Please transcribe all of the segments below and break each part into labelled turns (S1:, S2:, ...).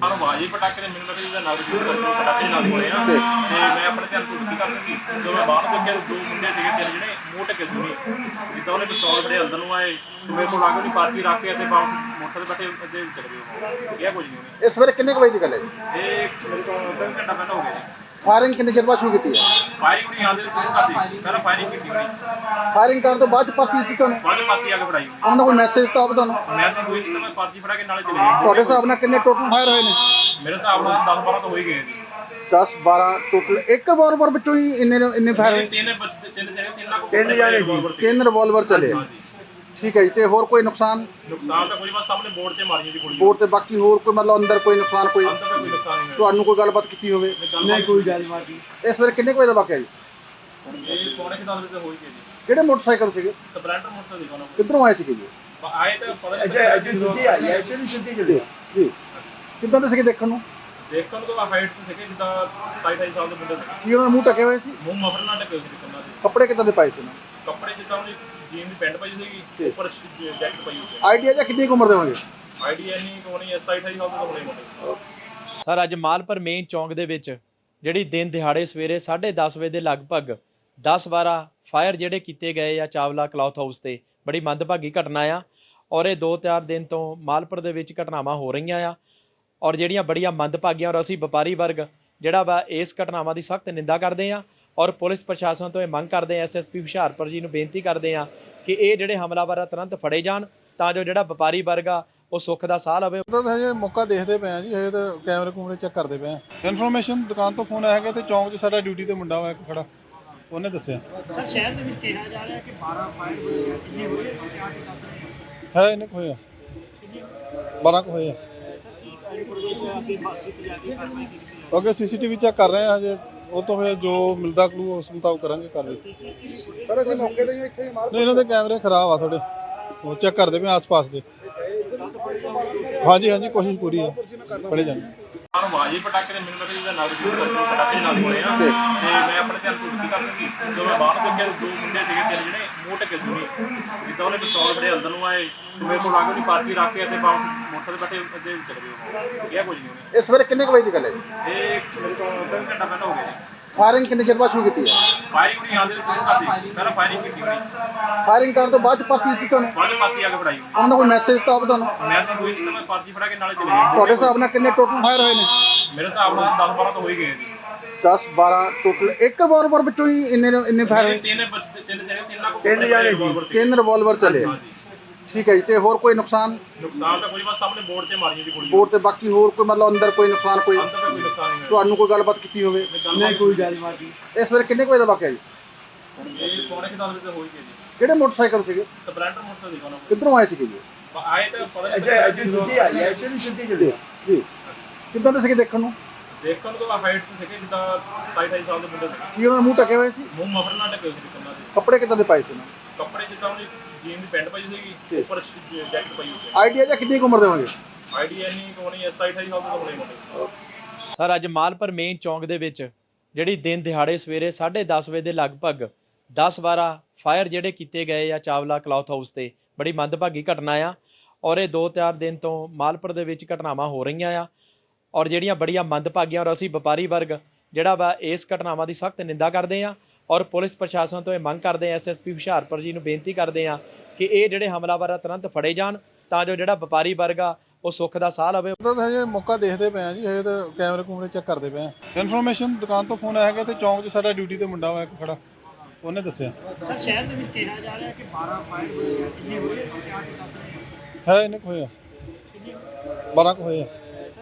S1: ਸਾਨੂੰ ਬਾਜੀ ਪਟਾਕੇ ਦੇ ਮੈਨੂੰ ਲੱਗਦਾ ਨਾਲ ਦੀ ਪਟਾਕੇ ਨਾਲ ਹੋਏ ਆ ਤੇ ਮੈਂ ਆਪਣੇ ਧਿਆਨ ਤੋਂ ਛੁੱਟੀ ਕਰ ਲਈ ਜਦੋਂ ਮੈਂ ਬਾਹਰ ਦੇਖਿਆ ਦੋ ਮੁੰਡੇ ਸੀਗੇ ਤਿੰਨ ਜਿਹੜੇ ਮੂੰਹ ਢੱਕੇ ਸੁਣੀ ਜਿੱਦਾਂ ਉਹਨੇ ਪਿਸਤੌਲ ਬੜੇ ਅੰਦਰ ਨੂੰ ਆਏ ਤੇ ਮੇਰੇ ਕੋਲ ਆ ਕੇ ਪਾਰਟੀ ਰੱਖ ਕੇ ਤੇ ਵਾਪਸ ਮੋਟਰਸਾਈਕਲ ਬੈਠੇ ਅੱਗੇ ਚਲੇ ਗਏ ਕਿਹਾ ਕੁਝ ਨਹੀਂ
S2: ਇਸ ਵੇਲੇ ਕਿੰਨੇ ਕੁ ਵਜੇ ਦੀ ਗੱਲ ਹੈ ਜੀ?
S1: ਇਹ ਮੇਰੇ ਕੋਲ ਅੱਧਾ ਘੰਟਾ ਪਹਿਲਾਂ ਹੋ ਗਿਆ
S2: ਫਾਇਰਿੰਗ ਕਿੰਨੇ ਚਿਰ ਬਾਅਦ ਸ਼ੁਰੂ ਕੀਤੀ ਹੈ?
S1: ਫਾਇਰਿੰਗ ਨਹੀਂ ਆਉਂਦੇ ਸ਼ੁਰੂ ਕਰਦੀ ਪਹਿਲਾਂ ਫਾਇਰਿੰਗ ਕੀਤੀ ਹੋਣੀ
S2: ਫਾਇਰਿੰਗ ਕਰਨ ਤੋਂ ਬਾਅਦ ਪਾਰਟੀ ਦਿੱਤੀ ਤੁਹਾਨੂੰ?
S1: ਬਾਅਦ ਚ ਪਾਰਟੀ ਆ ਕੇ ਫੜਾਈ
S2: ਉਹਨਾਂ ਨੇ ਕੋਈ ਮੈਸੇਜ ਦਿੱਤਾ ਹੋਵੇ ਤੁਹਾਨੂੰ?
S1: ਮੈਂ ਤਾਂ ਕੋਈ ਨਹੀਂ ਮੈਂ ਪਾਰਟੀ ਫੜਾ ਕੇ ਨਾਲੇ ਚਲੇ ਗਏ
S2: ਤੁਹਾਡੇ ਹਿਸਾਬ ਨਾਲ ਕਿੰਨੇ ਟੋਟਲ ਫਾਇਰ ਹੋਏ ਨੇ?
S1: ਮੇਰੇ ਹਿਸਾਬ ਨਾਲ 10-12 ਤਾਂ ਹੋ ਹੀ ਗਏ ਜੀ
S2: 10-12 ਟੋਟਲ ਇੱਕ ਰਿਵਾਲਵਰ ਵਿੱਚੋਂ ਹੀ ਇੰਨੇ ਫਾਇਰ ਹੋਏ?
S1: ਤਿੰਨ ਜਾਣੇ ਸੀ
S2: ਤਿੰਨ ਰਿਵਾਲਵਰ ਚੱਲੇ। ਠੀਕ ਹੈ ਜੀ, ਤੇ ਹੋਰ ਕੋਈ ਨੁਕਸਾਨ?
S1: ਨੁਕਸਾਨ ਤਾਂ ਕੋਈ ਬਸ ਸਾਹਮਣੇ ਬੋਰਡ ਤੇ ਮਾਰੀਆਂ ਜੀ ਗੋਲੀਆਂ
S2: ਬੋਰਡ ਤੇ ਬਾਕੀ ਹੋਰ ਕੋਈ ਮਤਲਬ ਅੰਦਰ ਕੋਈ ਨੁਕਸਾਨ ਕੋਈ
S1: ਅੰਦਰ ਤਾਂ ਕੋਈ ਨੁਕਸਾਨ ਨਹੀਂ
S2: ਤੁਹਾਨੂੰ ਕੋਈ ਗੱਲਬਾਤ ਕੀਤੀ ਹੋਵੇ?
S1: ਨਹੀਂ ਕੋਈ ਗੱਲਬਾਤ ਨਹੀਂ
S2: ਇਸ ਵੇਲੇ ਕਿੰਨੇ ਕੁ ਵਜੇ ਦਾ ਵਾਕਿਆ ਜੀ?
S1: ਇਹ ਪੌਣੇ 10 ਵਜੇ ਹੋਈ ਗਈ ਜੀ
S2: ਕਿਹੜੇ ਮੋਟਰਸਾਈਕਲ ਸੀਗੇ?
S1: ਸਪਲੈਂਡਰ ਮੋਟਰਸਾਈਕਲ ਦੇਖੋ ਨਾ
S2: ਕਿੱਧਰੋਂ ਆਏ ਸੀਗੇ ਜੀ?
S1: ਆਏ ਤਾਂ ਪਤਾ ਨਹੀਂ
S3: ਅੱਜ ਛੁੱਟੀ ਆਈ ਹੈ ਇੱਥੇ ਵੀ ਛੁੱਟੀ ਚੱਲੀ
S2: ਜੀ ਕਿੱਦਾਂ ਦੇ ਸੀਗੇ ਦੇਖਣ ਨੂੰ?
S1: ਦੇਖਣ ਨੂੰ ਤਾਂ ਹਾਈਟ ਤੇ ਸੀਗੇ ਜਿੱਦਾਂ 27-28 ਸਾਲ ਦੇ ਮੁੰਡੇ ਸੀ
S2: ਕੀ ਉਹਨਾਂ ਦੇ ਮੂੰਹ ਢਕੇ ਹੋਏ ਸੀ?
S1: ਮੂੰਹ ਮਫਰ ਨਾਲ ਢਕੇ ਹੋਏ ਸੀ ਕੰਨਾਂ ਦੇ
S2: ਕੱਪੜੇ ਕਿੱਦਾਂ ਦੇ ਪਾਏ ਸੀ ਉਹਨਾਂ?
S1: ਕੱਪੜੇ ਜਿੱਦਾਂ ਉਹਦੀ ਜੀਨ ਦੀ ਪੈਂਟ ਪਾਈ ਸੀਗੀ ਉੱਪਰ ਜੈਕਟ ਪਾਈ ਹੋਈ ਸੀ
S2: ਆਈਡੀਆ ਜਾਂ ਕਿੰਨੀ ਕੁ ਉਮਰ ਦੇ ਹੋਣਗੇ?
S1: ਆਈਡੀਆ ਨਹੀਂ ਕੋਣੀ 27-28 ਸਾਲ ਦੇ ਹੋਣੇ ਮੁੰਡੇ
S4: ਸਰ ਅੱਜ ਮਾਲਪੁਰ ਮੇਨ ਚੌਂਕ ਦੇ ਵਿੱਚ ਜਿਹੜੀ ਦਿਨ ਦਿਹਾੜੇ ਸਵੇਰੇ 10:30 ਵਜੇ ਦੇ ਲਗਭਗ 10-12 ਫਾਇਰ ਜਿਹੜੇ ਕੀਤੇ ਗਏ ਆ ਚਾਵਲਾ ਕਲੌਥ ਹਾਊਸ ਤੇ ਬੜੀ ਮੰਦਭਾਗੀ ਘਟਨਾ ਆ ਔਰ ਇਹ 2-4 ਦਿਨ ਤੋਂ ਮਾਲਪੁਰ ਦੇ ਵਿੱਚ ਘਟਨਾਵਾਂ ਹੋ ਰਹੀਆਂ ਆ ਔਰ ਜਿਹੜੀਆਂ ਬੜੀਆਂ ਮੰਦਭਾਗੀਆਂ ਔਰ ਅਸੀਂ ਵਪਾਰੀ ਵਰਗ ਜਿਹੜਾ ਵਾ ਇਸ ਘਟਨਾਵਾਂ ਦੀ ਸਖਤ ਨਿੰਦਾ ਕਰਦੇ ਆ ਔਰ ਪੁਲਿਸ ਪ੍ਰਸ਼ਾਸਨ ਤੋਂ ਇਹ ਮੰਗ ਕਰਦੇ ਆ ਐਸਐਸਪੀ ਹੁਸ਼ਿਆਰਪੁਰ ਜੀ ਨੂੰ ਬੇਨਤੀ ਕਰਦੇ ਆ ਕਿ ਇਹ ਜਿਹੜੇ ਹਮਲਾਵਰ ਆ ਤੁਰੰਤ ਫੜੇ ਜਾਣ ਤਾਂ ਜੋ ਜਿਹੜਾ ਵਪਾਰੀ ਵਰਗ ਆ ਉਹ ਸੁੱਖ ਦਾ ਸਾਹ ਲਵੇ।
S5: ਤਾਂ ਹਜੇ ਮੌਕਾ ਦੇਖਦੇ ਪਏ ਆ ਜੀ, ਹਜੇ ਤਾਂ ਕੈਮਰੇ ਕੂਮਰੇ ਚੈੱਕ ਕਰਦੇ ਪਏ ਆ। ਇਨਫੋਰਮੇਸ਼ਨ ਦੁਕਾਨ ਤੋਂ ਫੋਨ ਆਇਆ ਹੈਗਾ ਤੇ ਚੌਂਕ 'ਚ ਸਾਡਾ ਡਿਊਟੀ ਤੇ ਮੁੰਡਾ ਹੋਇਆ ਇੱਕ ਖੜਾ, ਉਹਨੇ ਦੱਸਿਆ
S6: ਸਰ ਸ਼ਹਿਰ ਦੇ ਵਿੱਚ ਕਿਹਾ ਜਾ ਰਿਹਾ ਕਿ 12 ਫਾਇਰ ਹੋਏ ਆ, ਕਿੰਨੇ ਹੋਏ ਆ ਕਿਆ ਕੀ ਦੱਸ ਰਹੇ ਹੋ?
S5: ਹੈ ਇਹਨੇ ਕੁ ਹੋਇਆ 12 ਕੁ ਹੋਏ ਆ। ਓਕੇ ਸੀਸੀਟੀਵੀ ਚੈੱਕ ਕਰ ਰਹੇ ਆ ਹਜੇ, ਉਹ ਤੋਂ ਫਿਰ ਜੋ ਮਿਲਦਾ ਕਲੂ ਉਸ ਮੁਤਾਬਕ ਕਰਾਂਗੇ ਕਾਰਵਾਈ।
S2: ਸਰ ਅਸੀਂ ਮੌਕੇ ਤੇ ਇੱਥੇ ਹੀ
S5: ਨਹੀਂ ਇਹਨਾਂ ਦੇ ਕੈਮਰੇ ਖਰਾਬ ਆ ਥੋੜੇ, ਉਹ ਚੈੱਕ ਕਰਦੇ ਪਏ ਆਸ-ਪਾਸ ਦੇ। ਹਾਂਜੀ ਕੋਸ਼ਿਸ਼ ਪੂਰੀ ਆ ਫੜੇ ਜਾਣ।
S1: ਸਾਨੂੰ ਬਾਜੀ ਪਟਾਕੇ ਦੇ ਮੈਨੂੰ ਲੱਗਦਾ ਨਾਲ ਦੀ ਪਟਾਕੇ ਨਾਲ ਹੋਏ ਆ ਤੇ ਮੈਂ ਆਪਣੇ ਧਿਆਨ ਤੋਂ ਛੁੱਟੀ ਕਰ ਲਈ ਜਦੋਂ ਮੈਂ ਬਾਹਰ ਦੇਖਿਆ ਦੋ ਮੁੰਡੇ ਸੀਗੇ ਤਿੰਨ ਜਿਹੜੇ ਮੂੰਹ ਢੱਕੇ ਸੁਣੀ ਜਿੱਦਾਂ ਉਹਨੇ ਪਿਸਤੌਲ ਬੜੇ ਅੰਦਰ ਨੂੰ ਆਏ ਤੇ ਮੇਰੇ ਕੋਲ ਆ ਕੇ ਪਾਰਟੀ ਰੱਖ ਕੇ ਤੇ ਵਾਪਸ ਮੋਟਰਸਾਈਕਲ ਬੈਠੇ ਅੱਗੇ ਚਲੇ ਗਏ ਕਿਹਾ ਕੁਝ ਨਹੀਂ
S2: ਇਸ ਵੇਲੇ ਕਿੰਨੇ ਕੁ ਵਜੇ ਦੀ ਗੱਲ ਹੈ ਜੀ?
S1: ਇਹ ਮੇਰੇ ਕੋਲ ਅੱਧਾ ਘੰਟਾ ਪਹਿਲਾਂ ਹੋ ਗਿਆ
S2: ਫਾਇਰਿੰਗ ਕਿੰਨੇ ਚਿਰ ਬਾਅਦ ਸ਼ੁਰੂ ਕੀਤੀ ਹੈ?
S1: ਫਾਇਰਿੰਗ ਨਹੀਂ ਆਉਂਦੇ ਸ਼ੁਰੂ ਕਰਦੀ ਪਹਿਲਾਂ ਫਾਇਰਿੰਗ ਕੀਤੀ ਹੋਣੀ
S2: ਫਾਇਰਿੰਗ ਕਰਨ ਤੋਂ ਬਾਅਦ ਪਾਰਟੀ ਦਿੱਤੀ ਤੁਹਾਨੂੰ?
S1: ਬਾਅਦ ਚ ਪਾਰਟੀ ਆ ਕੇ ਫੜਾਈ
S2: ਉਹਨਾਂ ਨੇ ਕੋਈ ਮੈਸੇਜ ਦਿੱਤਾ ਹੋਵੇ ਤੁਹਾਨੂੰ?
S1: ਮੈਂ ਤਾਂ ਕੋਈ ਨਹੀਂ ਮੈਂ ਪਾਰਟੀ ਫੜਾ ਕੇ ਨਾਲੇ ਚਲੇ ਗਏ
S2: ਤੁਹਾਡੇ ਹਿਸਾਬ ਨਾਲ ਕਿੰਨੇ ਟੋਟਲ ਫਾਇਰ ਹੋਏ ਨੇ?
S1: ਮੇਰੇ ਹਿਸਾਬ ਨਾਲ 10-12 ਤਾਂ ਹੋ ਹੀ ਗਏ ਜੀ
S2: 10-12 ਟੋਟਲ ਇੱਕ ਰਿਵਾਲਵਰ ਵਿੱਚੋਂ ਹੀ ਇੰਨੇ ਫਾਇਰ ਹੋਏ?
S1: ਤਿੰਨ ਜਾਣੇ ਸੀ
S2: ਤਿੰਨ ਰਿਵਾਲਵਰ ਚੱਲੇ। ਠੀਕ ਹੈ ਜੀ, ਤੇ ਹੋਰ ਕੋਈ ਨੁਕਸਾਨ?
S1: ਨੁਕਸਾਨ ਤਾਂ ਕੋਈ ਬਸ ਸਾਹਮਣੇ ਬੋਰਡ ਤੇ ਮਾਰੀਆਂ ਜੀ ਗੋਲੀਆਂ
S2: ਬੋਰਡ ਤੇ ਬਾਕੀ ਹੋਰ ਕੋਈ ਮਤਲਬ ਅੰਦਰ ਕੋਈ ਨੁਕਸਾਨ ਕੋਈ
S1: ਅੰਦਰ ਤਾਂ ਕੋਈ ਨੁਕਸਾਨ ਨਹੀਂ
S2: ਤੁਹਾਨੂੰ ਕੋਈ ਗੱਲਬਾਤ ਕੀਤੀ ਹੋਵੇ?
S3: ਨਹੀਂ ਕੋਈ ਗੱਲਬਾਤ ਨਹੀਂ
S2: ਇਸ ਵੇਲੇ ਕਿੰਨੇ ਕੁ ਵਜੇ ਦਾ ਵਾਕਿਆ ਜੀ?
S1: ਇਹ ਪੌਣੇ 10 ਵਜੇ ਹੋਈ ਗਈ ਜੀ
S2: ਕਿਹੜੇ ਮੋਟਰਸਾਈਕਲ ਸੀਗੇ?
S1: ਸਪਲੈਂਡਰ ਮੋਟਰਸਾਈਕਲ ਦੇਖੋ ਨਾ
S2: ਕਿੱਧਰੋਂ ਆਏ ਸੀਗੇ ਜੀ?
S1: ਆਏ ਤਾਂ ਪਤਾ ਨਹੀਂ
S3: ਅੱਜ ਛੁੱਟੀ ਆਈ ਹੈ ਇੱਥੇ ਵੀ ਛੁੱਟੀ ਚੱਲੀ
S2: ਜੀ ਕਿੱਦਾਂ ਦੇ ਸੀਗੇ ਦੇਖਣ ਨੂੰ?
S1: ਦੇਖਣ ਨੂੰ ਤਾਂ ਹਾਈਟ ਤੇ ਸੀਗੇ ਜਿੱਦਾਂ 27-28 ਸਾਲ ਦੇ ਮੁੰਡੇ ਸੀ
S2: ਕੀ ਉਹਨਾਂ ਦੇ ਮੂੰਹ ਢਕੇ ਹੋਏ ਸੀ?
S1: ਮੂੰਹ ਮਫਰ ਨਾਲ ਢਕੇ ਹੋਏ ਸੀ ਕੰਨਾਂ ਦੇ
S2: ਕੱਪੜੇ ਕਿੱਦਾਂ ਦੇ ਪਾਏ ਸੀ ਉਹਨਾਂ?
S1: ਕੱਪੜੇ ਜਿੱਦਾਂ ਉਹਦੀ ਜੀਨ ਦੀ ਪੈਂਟ ਪਾਈ ਸੀਗੀ ਉੱਪਰ ਜੈਕਟ ਪਾਈ ਹੋਈ ਸੀ
S2: ਆਈਡੀਆ ਜਾਂ ਕਿੰਨੀ ਕੁ ਉਮਰ ਦੇ ਹੋਣਗੇ?
S1: ਆਈਡੀਆ ਨਹੀਂ ਕੋਣੀ 27-28 ਸਾਲ ਦੇ ਹੋਣੇ ਮੁੰਡੇ
S4: ਸਰ ਅੱਜ ਮਾਲਪੁਰ ਮੇਨ ਚੌਂਕ ਦੇ ਵਿੱਚ ਜਿਹੜੀ ਦਿਨ ਦਿਹਾੜੇ ਸਵੇਰੇ 10:30 ਵਜੇ ਦੇ ਲਗਭਗ 10-12 ਫਾਇਰ ਜਿਹੜੇ ਕੀਤੇ ਗਏ ਆ ਚਾਵਲਾ ਕਲੌਥ ਹਾਊਸ ਤੇ ਬੜੀ ਮੰਦਭਾਗੀ ਘਟਨਾ ਆ ਔਰ ਇਹ 2-4 ਦਿਨ ਤੋਂ ਮਾਲਪੁਰ ਦੇ ਵਿੱਚ ਘਟਨਾਵਾਂ ਹੋ ਰਹੀਆਂ ਆ ਔਰ ਜਿਹੜੀਆਂ ਬੜੀਆਂ ਮੰਦਭਾਗੀਆਂ ਔਰ ਅਸੀਂ ਵਪਾਰੀ ਵਰਗ ਜਿਹੜਾ ਵਾ ਇਸ ਘਟਨਾਵਾਂ ਦੀ ਸਖਤ ਨਿੰਦਾ ਕਰਦੇ ਆ ਔਰ ਪੁਲਿਸ ਪ੍ਰਸ਼ਾਸਨ ਤੋਂ ਇਹ ਮੰਗ ਕਰਦੇ ਆ ਐਸਐਸਪੀ ਹੁਸ਼ਿਆਰਪੁਰ ਜੀ ਨੂੰ ਬੇਨਤੀ ਕਰਦੇ ਆ ਕਿ ਇਹ ਜਿਹੜੇ ਹਮਲਾਵਰ ਆ ਤੁਰੰਤ ਫੜੇ ਜਾਣ ਤਾਂ ਜੋ ਜਿਹੜਾ ਵਪਾਰੀ ਵਰਗ ਆ ਉਹ ਸੁੱਖ ਦਾ ਸਾਹ ਲਵੇ।
S5: ਤਾਂ ਹਜੇ ਮੌਕਾ ਦੇਖਦੇ ਪਏ ਆ ਜੀ, ਹਜੇ ਤਾਂ ਕੈਮਰੇ ਕੂਮਰੇ ਚੈੱਕ ਕਰਦੇ ਪਏ ਆ। ਇਨਫੋਰਮੇਸ਼ਨ ਦੁਕਾਨ ਤੋਂ ਫੋਨ ਆਇਆ ਹੈਗਾ ਤੇ ਚੌਂਕ 'ਚ ਸਾਡਾ ਡਿਊਟੀ ਤੇ ਮੁੰਡਾ ਹੋਇਆ ਇੱਕ ਖੜਾ, ਉਹਨੇ ਦੱਸਿਆ
S6: ਸਰ ਸ਼ਹਿਰ ਦੇ ਵਿੱਚ ਕਿਹਾ ਜਾ ਰਿਹਾ ਕਿ 12 ਫਾਇਰ ਹੋਏ ਆ, ਕਿੰਨੇ ਹੋਏ ਆ ਕਿਆ ਕੀ ਦੱਸ ਰਹੇ ਹੋ?
S5: ਹੈ ਇਹਨੇ ਕੁ ਹੋਇਆ 12 ਕੁ ਹੋਏ ਆ।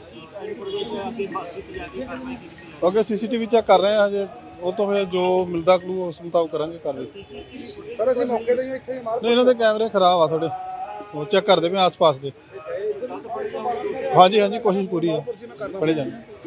S5: ਓਕੇ ਸੀਸੀਟੀਵੀ ਚੈੱਕ ਕਰ ਰਹੇ ਆ ਹਜੇ, ਉਹ ਤੋਂ ਫਿਰ ਜੋ ਮਿਲਦਾ ਕਲੂ ਉਸ ਮੁਤਾਬਕ ਕਰਾਂਗੇ ਕਾਰਵਾਈ।
S2: ਸਰ ਅਸੀਂ ਮੌਕੇ ਤੇ ਇੱਥੇ ਹੀ
S5: ਨਹੀਂ ਇਹਨਾਂ ਦੇ ਕੈਮਰੇ ਖਰਾਬ ਆ ਥੋੜੇ, ਉਹ ਚੈੱਕ ਕਰਦੇ ਪਏ ਆਸ-ਪਾਸ ਦੇ। ਹਾਂਜੀ ਕੋਸ਼ਿਸ਼ ਪੂਰੀ ਆ ਫੜੇ ਜਾਣ।